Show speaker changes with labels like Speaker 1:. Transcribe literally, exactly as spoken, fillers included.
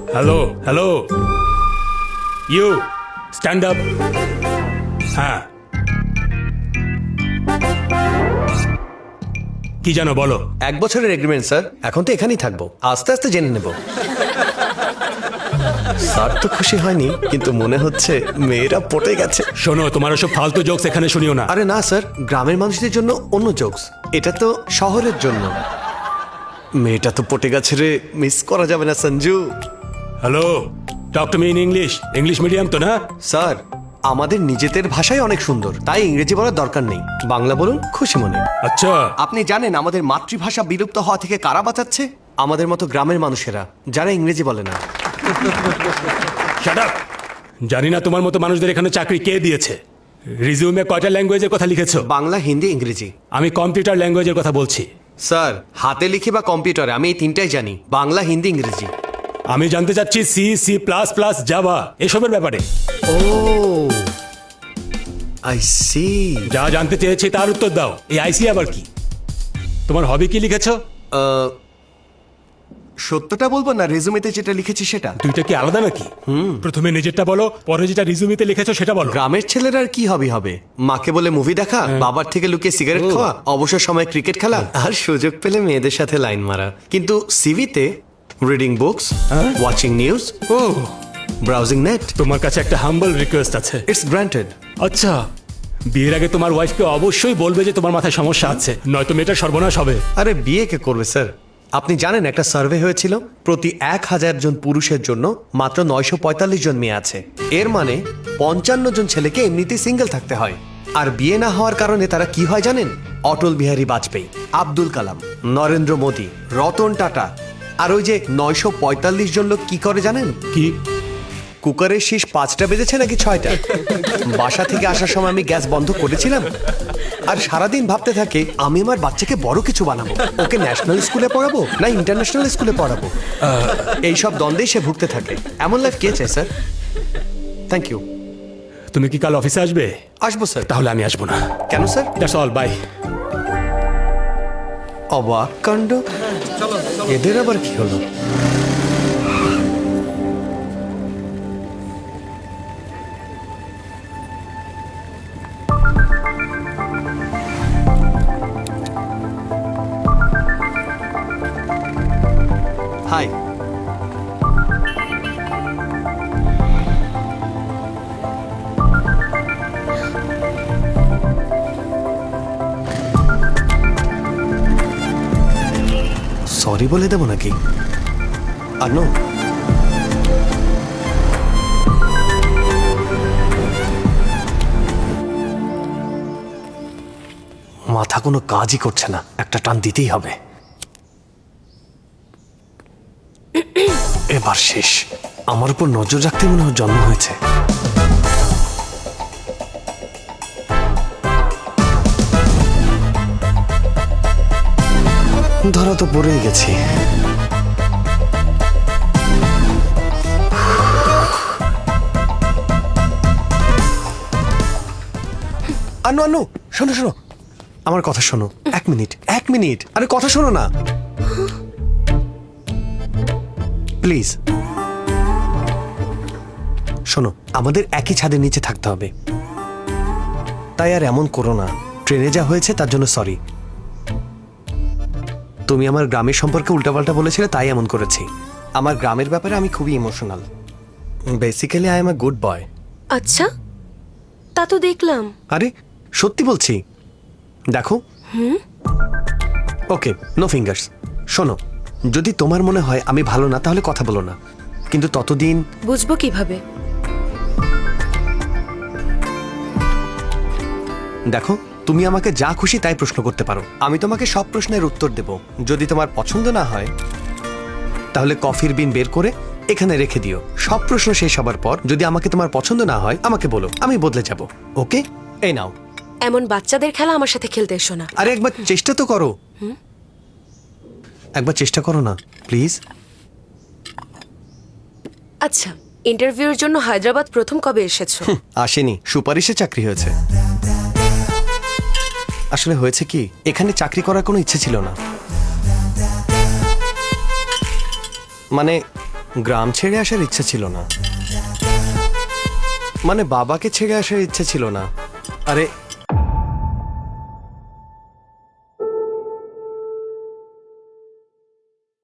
Speaker 1: Hello hello you stand up. হ্যাঁ, কি জানো বলো?
Speaker 2: এক বছরের এগ্রিমেন্ট স্যার, এখন তো এখানেই থাকবো, আস্তে আস্তে জেনে নেব। স্যার তো খুশি হয়নি, কিন্তু মনে হচ্ছে মেয়েরা পটে গেছে।
Speaker 1: শোনো, তোমার ওসব ফালতু জোকস এখানে শুনিও না।
Speaker 2: আরে না স্যার, গ্রামের মানুষদের জন্য অন্য জোকস, এটা তো শহরের জন্য। মেয়েটা তো পটে গেছে রে, মিস করা যাবে না Sanju.
Speaker 1: Hello, talk to me in English. English medium তো না?
Speaker 2: স্যার, আমাদের নিজেদের ভাষাই অনেক সুন্দর, তাই ইংরেজি বলার দরকার নেই, বাংলা বলুন খুশি মনে।
Speaker 1: আচ্ছা,
Speaker 2: আপনি জানেন আমাদের মাতৃভাষা বিলুপ্ত হওয়া থেকে কারা বাঁচাচ্ছে? আমাদের মতো গ্রামের মানুষেরা, যারা ইংরেজি বলে না।
Speaker 1: Shut up. জানি না তোমার মতো মানুষদের এখানে চাকরি কে দিয়েছে। রিজিউমে কয়টা ল্যাঙ্গুয়েজের কথা লিখেছো?
Speaker 2: বাংলা, হিন্দি, ইংরেজি।
Speaker 1: আমি কম্পিউটার ল্যাঙ্গুয়েজের কথা বলছি।
Speaker 2: স্যার, হাতে লিখে বা কম্পিউটারে আমি এই তিনটাই জানি, বাংলা, হিন্দি, ইংরেজি।
Speaker 1: আমি জানতে চাচ্ছি C, C plus plus, Java এসবের ব্যাপারে।
Speaker 2: Oh I see.
Speaker 1: যা জানতে চেয়েছি তার উত্তর দাও। এই আইসি আবার কি? তোমার হবি কি লিখেছো?
Speaker 2: সত্যটা বলবো না রেজুমেতে যেটা লিখেছি সেটা?
Speaker 1: দুইটা কি আলাদা নাকি? প্রথমে নিজেরটা বলো, পরে যেটা রিজুমিতে লিখেছো সেটা বলো।
Speaker 2: গ্রামের ছেলেরা আর কি হবি হবে? মাকে বলে মুভি দেখা, বাবার থেকে লুকিয়ে সিগারেট খাওয়া, অবসর সময় ক্রিকেট খেলা, আর সুযোগ পেলে মেয়েদের সাথে লাইন মারা। কিন্তু সিভিতে রিডিং বুকস, ওয়াচিং নিউজ,
Speaker 1: ও,
Speaker 2: ব্রাউজিং নেট।
Speaker 1: তোমার কাছে একটা হাম্বল রিকোয়েস্ট আছে।
Speaker 2: It's granted.
Speaker 1: আচ্ছা, বিয়ের আগে তোমার ওয়াইফকে অবশ্যই বলবে যে তোমার মাথায় সমস্যা আছে, নয়তো মেয়েটার সর্বনাশ হবে।
Speaker 2: আরে বিয়ে কে করবে স্যার? আপনি জানেন একটা সার্ভে হয়েছিল, প্রতি এক হাজার জন পুরুষের জন্য মাত্র নয়শো পঁয়তাল্লিশ জন মেয়ে আছে। এর মানে পঞ্চান্ন জন ছেলেকে এমনিতেই সিঙ্গেল থাকতে হয়। আর বিয়ে না হওয়ার কারণে তারা কি হয় জানেন? অটল বিহারী বাজপেয়ী, আব্দুল কালাম, নরেন্দ্র মোদী, রতন টাটা। আর ওই যে নয়শো পঁয়তাল্লিশ জন লোক কি করে জানেন?
Speaker 1: কি?
Speaker 2: কুকারের শীষ পাঁচটা বেজেছে নাকি ছয়টা? বাসা থেকে আসার সময় আমি গ্যাস বন্ধ করেছিলাম, আর সারাদিন ভাবতে থাকে আমি আমার বাচ্চাকে বড় কিছু বানাবো, ওকে ন্যাশনাল স্কুলে পড়াবো না ইন্টারন্যাশনাল স্কুলে পড়াবো। এইসব দ্বন্দ্বেই সে ভুগতে থাকে। এমন লাইফ কে চায় স্যার? Thank you.
Speaker 1: তুমি কি কাল অফিসে আসবে?
Speaker 2: আসবো স্যার।
Speaker 1: তাহলে আমি আসবো না।
Speaker 2: কেন স্যার?
Speaker 1: That's all, by.
Speaker 2: অবাক কাণ্ড, এদের আবার কি হলো? হাই। সরি বলে দেবো নাকি? আর নো, মাথা কোনো কাজই করছে না, একটা টান দিতেই হবে। এবার শেষ, আমার উপর নজর রাখতে মনে হয় জন্ম হয়েছে। ধরা তো পড়েই গেছি। আনু আনু, শোনো শোনো, আমার কথা শোনো। এক মিনিট এক মিনিট আরে কথা শোনো না প্লিজ। শোনো, আমাদের একই ছাদের নিচে থাকতে হবে, তাই আর এমন করো না। ট্রেনে যা হয়েছে তার জন্য সরি। তুমি আমার গ্রামের সম্পর্কে উল্টাপাল্টা বলেছিলে, তাই এমন করেছি। আমার গ্রামের ব্যাপারে আমি খুবই emotional. Basically I am a good boy.
Speaker 3: আচ্ছা, তা তো দেখলাম।
Speaker 2: আরে সত্যি বলছি, দেখো। Okay, no fingers. শোনো, যদি তোমার মনে হয় আমি ভালো না তাহলে কথা বলো না, কিন্তু ততদিন।
Speaker 3: বুঝবো কিভাবে?
Speaker 2: দেখো, তুমি আমাকে যা খুশি তাই প্রশ্ন করতে পারো, আমি তোমাকে সব প্রশ্নের উত্তর দেব। যদি তোমার পছন্দ না হয় তাহলে কফির বিন বের করে এখানে রেখে দিও। সব প্রশ্ন শেষ হবার পর যদি আমাকে তোমার পছন্দ না হয় আমাকে বলো, আমি বদলে যাব। ওকে, এই নাও।
Speaker 3: এমন বাচ্চাদের খেলা আমার সাথে খেলতে এসো না।
Speaker 2: আরে একবার চেষ্টা তো করো, একবার চেষ্টা করো না প্লিজ।
Speaker 3: আচ্ছা, ইন্টারভিউর জন্য হায়দ্রাবাদ প্রথম কবে এসেছো?
Speaker 2: আসেনি, সুপারিশে চাকরি হয়েছে। আসলে হয়েছে কি, এখানে চাকরি করার কোনো ইচ্ছে ছিল না। মানে গ্রাম ছেড়ে আসার ইচ্ছা ছিল না, মানে বাবাকে ছেড়ে আসার ইচ্ছা ছিল না। আরে